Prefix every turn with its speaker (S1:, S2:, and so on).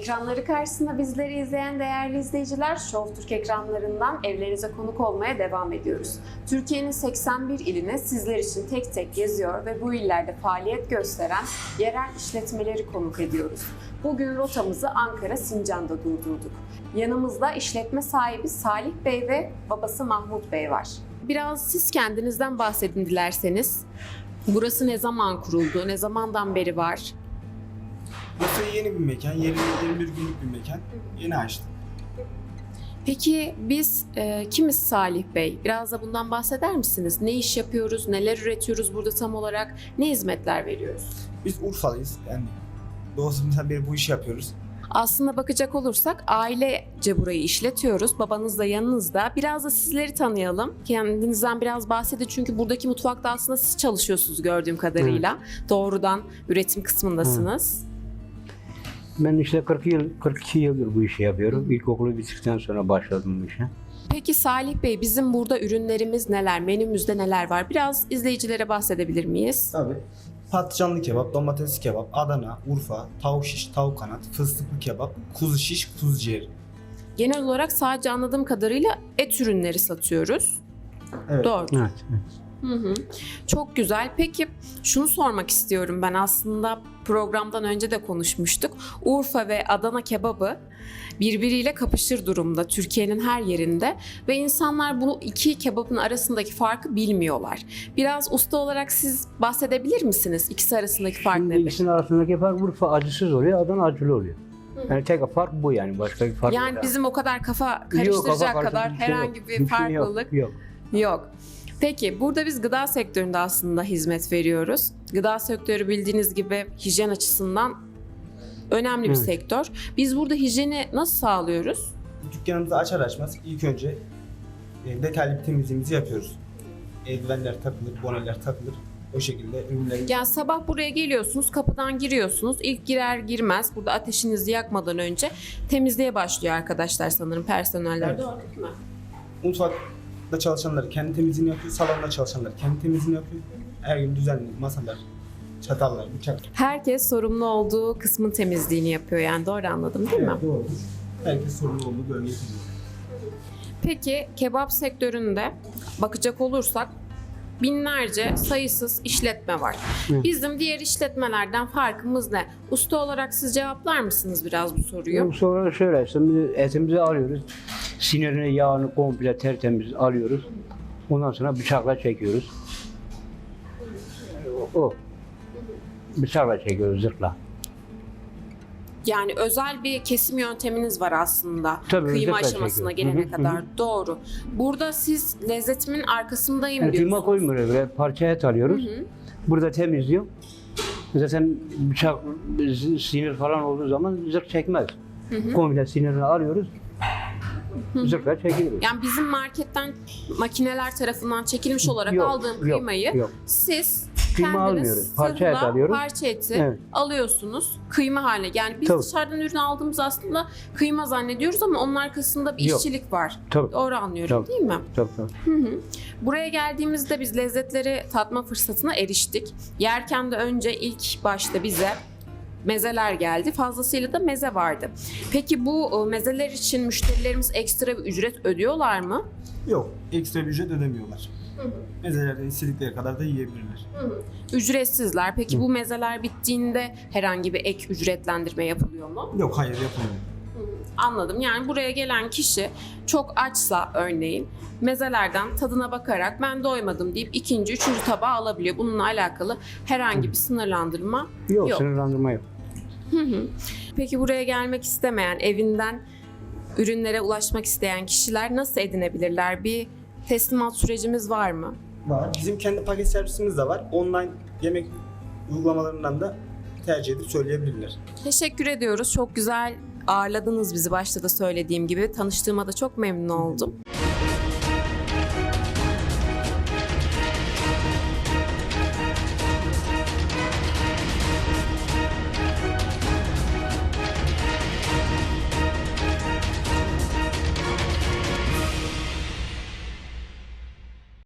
S1: Ekranları karşısında bizleri izleyen değerli izleyiciler, Show Türk ekranlarından evlerinize konuk olmaya devam ediyoruz. Türkiye'nin 81 iline sizler için tek tek geziyor ve bu illerde faaliyet gösteren yerel işletmeleri konuk ediyoruz. Bugün rotamızı Ankara Sincan'da durdurduk. Yanımızda işletme sahibi Salih Bey ve babası Mahmut Bey var. Biraz siz kendinizden bahsedin dilerseniz. Burası ne zaman kuruldu, ne zamandan beri var?
S2: Burası yeni bir mekan, 21 günlük bir mekan. Yeni açtık.
S1: Peki biz kimiz Salih Bey? Biraz da bundan bahseder misiniz? Ne iş yapıyoruz, neler üretiyoruz burada tam olarak, ne hizmetler veriyoruz?
S2: Biz Urfalıyız. Yani doğusundan beri bu işi yapıyoruz.
S1: Aslında bakacak olursak ailece burayı işletiyoruz. Babanız da yanınızda. Biraz da sizleri tanıyalım. Kendinizden biraz bahsedin çünkü buradaki mutfakta aslında siz çalışıyorsunuz gördüğüm kadarıyla. Doğrudan üretim kısmındasınız.
S3: Ben işte 42 yıldır bu işi yapıyorum. İlkokulu bitirdikten sonra başladım bu işe.
S1: Peki Salih Bey, bizim burada ürünlerimiz neler, menümüzde neler var? Biraz izleyicilere bahsedebilir miyiz?
S2: Tabii. Patlıcanlı kebap, domatesli kebap, Adana, Urfa, tavuk şiş, tavuk kanat, fıstıklı kebap, kuzu şiş, kuzu ciğer.
S1: Genel olarak sadece anladığım kadarıyla et ürünleri satıyoruz.
S2: Evet.
S1: Doğru.
S3: Evet.
S1: Hı hı. Çok güzel. Peki şunu sormak istiyorum ben, aslında programdan önce de konuşmuştuk. Urfa ve Adana kebabı birbiriyle kapışır durumda Türkiye'nin her yerinde ve insanlar bu iki kebabın arasındaki farkı bilmiyorlar. Biraz usta olarak siz bahsedebilir misiniz? İkisi arasındaki fark
S3: Şimdi
S1: nedir?
S3: ikisinin arasındaki fark Urfa acısız oluyor, Adana acılı oluyor. Yani tek fark bu yani, başka bir fark
S1: Yani
S3: yok.
S1: bizim o kadar kafa
S3: Yok,
S1: karıştıracak
S3: kafa
S1: kadar
S3: karıştırıcı bir şey
S1: herhangi
S3: yok.
S1: bir
S3: Bir şey
S1: farklılık
S3: yok.
S1: yok. Peki burada biz gıda sektöründe aslında hizmet veriyoruz. Gıda sektörü bildiğiniz gibi hijyen açısından önemli bir
S3: Evet.
S1: sektör. Biz burada hijyeni nasıl sağlıyoruz?
S2: Dükkanımızı açar açmaz ilk önce detaylı bir temizliğimizi yapıyoruz. Eldivenler takılır, boneler takılır. O şekilde ürünlerimiz...
S1: Yani sabah buraya geliyorsunuz, kapıdan giriyorsunuz. İlk girer girmez burada ateşinizi yakmadan önce temizliğe başlıyor arkadaşlar sanırım, personeller.
S2: Evet.
S1: Doğru değil mi?
S2: Mutfakta çalışanlar kendi temizliğini yapıyor, salonda çalışanlar kendi temizliğini yapıyor. Her gün düzenli masalar, çatallar, bıçak.
S1: Herkes sorumlu olduğu kısmın temizliğini yapıyor, yani doğru anladım değil mi?
S2: Evet, doğrudur. Herkes sorumlu olduğu bölgeye gidiyor.
S1: Peki kebap sektöründe bakacak olursak binlerce, sayısız işletme var.
S3: Evet.
S1: Bizim diğer işletmelerden farkımız ne? Usta olarak siz cevaplar mısınız biraz bu soruyu?
S3: Sonra şöyle işte etimizi alıyoruz. Sinirini, yağını komple tertemiz alıyoruz. Ondan sonra bıçakla çekiyoruz. O. Bıçakla çekiyoruz, zırhla.
S1: Yani özel bir kesim yönteminiz var aslında.
S3: Tabii,
S1: Kıyma
S3: özellikle
S1: aşamasına
S3: çekiyoruz.
S1: gelene
S3: Hı hı,
S1: kadar. Doğru. Burada siz lezzetimin arkasındayım
S3: Yani kıyma
S1: diyorsunuz.
S3: koymuyoruz, böyle parça et alıyoruz. Burada temizliyor. Zaten bıçak, sinir falan olduğu zaman zırh çekmez. Komple sinirini alıyoruz. Zırhla çekiyoruz.
S1: Yani bizim marketten makineler tarafından çekilmiş olarak
S3: Yok,
S1: aldığım
S3: yok,
S1: kıymayı
S3: yok.
S1: siz
S3: Kıyma
S1: kendiniz
S3: almıyoruz. Parça et
S1: zırhla
S3: alıyoruz.
S1: parça eti
S3: Evet.
S1: alıyorsunuz kıyma haline. Yani biz
S3: Tabii.
S1: dışarıdan ürün aldığımız aslında kıyma zannediyoruz ama onun arkasında bir
S3: Yok.
S1: işçilik var.
S3: Tabii.
S1: Doğru anlıyorum
S3: Tabii.
S1: değil mi?
S3: Tabii.
S1: Buraya geldiğimizde biz lezzetleri tatma fırsatına eriştik. Yerken de önce ilk başta bize mezeler geldi. Fazlasıyla da meze vardı. Peki bu mezeler için müşterilerimiz ekstra bir ücret ödüyorlar mı?
S2: Yok, ekstra bir ücret ödemiyorlar. Mezelerden istedikleri kadar da yiyebilirler.
S1: Ücretsizler. Peki bu mezeler bittiğinde herhangi bir ek ücretlendirme yapılıyor mu?
S2: Yok, hayır yapılmıyor.
S1: Anladım. Yani buraya gelen kişi çok açsa örneğin mezelerden tadına bakarak ben doymadım deyip ikinci, üçüncü tabağı alabiliyor. Bununla alakalı herhangi bir sınırlandırma
S3: Yok,
S1: yok.
S3: sınırlandırma yok.
S1: Peki buraya gelmek istemeyen, evinden ürünlere ulaşmak isteyen kişiler nasıl edinebilirler? Bir teslimat sürecimiz var mı?
S2: Var. Bizim kendi paket servisimiz de var. Online yemek uygulamalarından da tercih edip söyleyebilirler.
S1: Teşekkür ediyoruz. Çok güzel ağırladınız bizi, başta da söylediğim gibi. Tanıştığıma da çok memnun oldum.